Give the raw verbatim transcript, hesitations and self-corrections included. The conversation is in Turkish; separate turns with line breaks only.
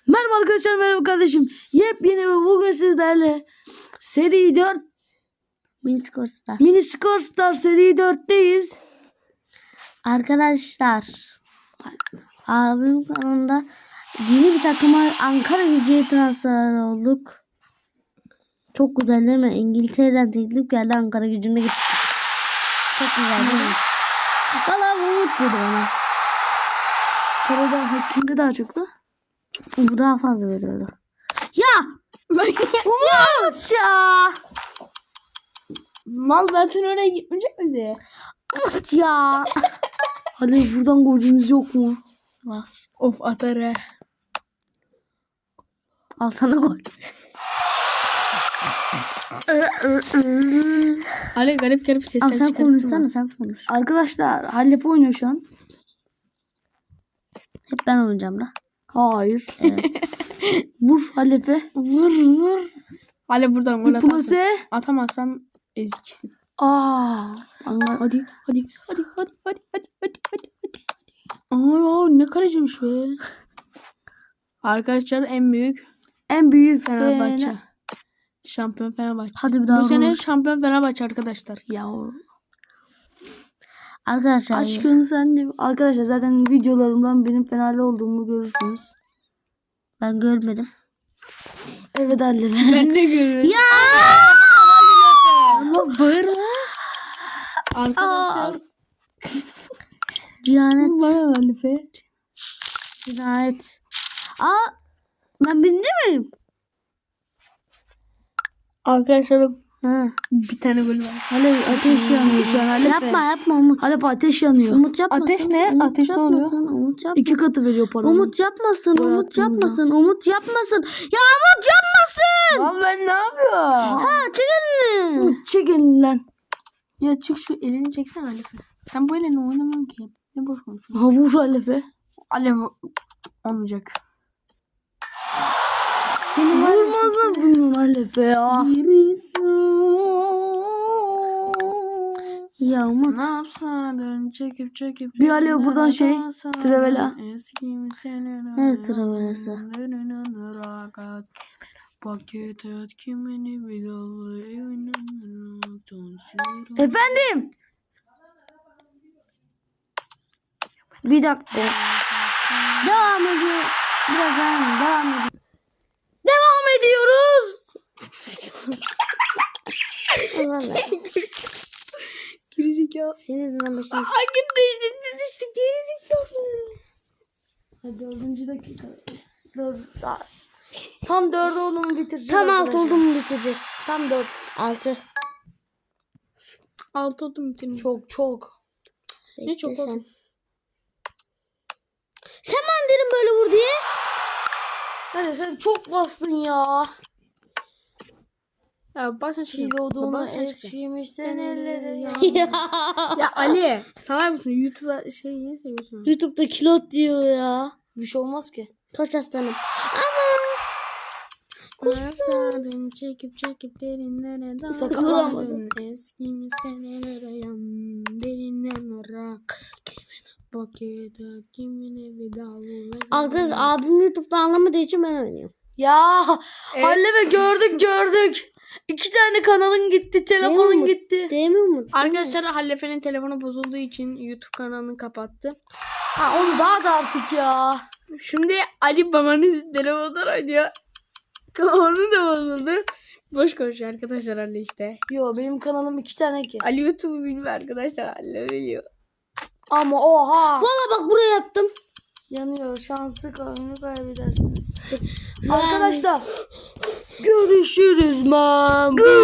Merhaba arkadaşlar, merhaba kardeşim. Yepyeni ve bugün sizlerle seri dört
Mini Skor Star.
Mini Skor Star seri dörtteyiz.
Arkadaşlar abim kanalında yeni bir takıma Ankara Gücü'ye transfer olduk. Çok güzel değil mi? İngiltere'den teklif geldi, Ankara Gücü'ne gittik. Çok güzel değil mi? Valla Umut dedi bana.
Parada kimde daha çok da?
Bu daha fazla veriyordu. Ya! Umut ya!
Mal zaten oraya gitmeyecek miydi?
Umut ya!
Hani buradan golcümüz yok mu?
Var.
Of atar he.
Al sana gol.
Ali garip garip sesler
Al sen
çıkarttı.
konuşsana, sen konuş.
Arkadaşlar Halep oynuyor şu an.
Hep ben oynayacağım da.
Hayır.
Evet.
Vur Halep'e.
Vur vur. Ali buradan gol atarsın.
Plase.
Atamazsan eziksin.
Aa. Anlar.
Hadi hadi hadi hadi hadi hadi hadi hadi hadi. Aa ne kaleciymiş be. Arkadaşlar en büyük
En büyük
Fenerbahçe.
Fener-
Şampiyon Fenerbahçe.
Hadi bir daha.
Bu sene
konuş.
şampiyon Fenerbahçe arkadaşlar.
Ya
Arkadaşlar.
aşkın sen de. Arkadaşlar zaten videolarımdan benim Fenerli olduğumu görürsünüz.
Ben görmedim.
Evet Halep.
Ben de görüyorum.
Ya!
Ama bağırma. Arkadaşlar.
Cihanet.
Bana Halife.
Cihanet. Aa! Ben birinci miyim?
Arkadaşlar
Ha.
bir tane gol var.
Halep ateş yanıyor şu an Halep.
Yapma yapma Umut.
Halep ateş yanıyor.
Umut yapmasın.
Ateş ne?
Umut
Ateş ne oluyor?
yapmasın, Umut yapmasın.
İki katı veriyor paranı.
Umut yapmasın.
Gol
Umut
attığımızda.
yapmasın. Umut yapmasın. Ya Umut yapmasın.
Lan ben ne yapıyorum?
Ha çekil mi?
Umut çek elini lan.
Ya çık şu elini çeksen Halife. Sen bu elini oynamıyorsun ki. Ne boş konuşuyorsun?
Ha vur Halep'e.
Alev olmayacak.
Seni var ya.
Vurmazlar bunun Halep'e ya.
Ya Umut.
Ne yapsan çekip çekip.
Bir Alev buradan şey, Trevela.
Nerede Trevela'sı?
Paket et kimini bir dalı evine.
Efendim. Bir dakika.
Devam ediyor. Biraz daha devam ediyor.
Devam ediyoruz.
Vallahi.
Gerizekalı.
Senin yüzünden başım.
Hangi değişikti işte gerizekalı.
Hadi dördüncü dakika. Dört saat. Tam dörde olduğumu bitireceğiz.
Tam altı
arkadaşlar.
oldu mu bitireceğiz?
Tam dört.
Altı.
Altı oldum bitirin.
Çok çok.
Ne çok
Bekle
oldu?
sen. Sen bana dedin böyle vur diye.
Hadi sen çok bastın ya.
Ya basın şimdi.
Kilodunu eskimişten elleri ya.
Ya Ali sana bir şey YouTube'a şey niye seviyorsun?
YouTube'da kilot diyor ya.
Bir şey olmaz ki.
Kaç aslanım.
Kursadın çekip çekip derinlere
Sakın
daldın. Eski senelere yan derinden rak. Kimin paket et kimine bir dal.
Arkadaş abim YouTube'da anlamadığı için ben oynuyorum.
Ya
Evet.
Hallep'e gördük gördük. İki tane kanalın gitti, telefonun
Değil mi?
gitti.
Değil mi Umut?
Arkadaşlar Hallefe'nin telefonu bozulduğu için YouTube kanalını kapattı.
Ha onu daha da artık ya.
Şimdi Ali babanın telefonundan oynuyor. Onu da bozuldu. Boş konuşuyor arkadaşlar Ali işte.
Yo benim kanalım iki tane ki.
Ali YouTube'u bilmiyor arkadaşlar. Ali biliyor.
Ama oha.
Valla bak buraya yaptım.
Yanıyor. Şanslı oyunu kaybedersiniz. Arkadaşlar görüşürüz man.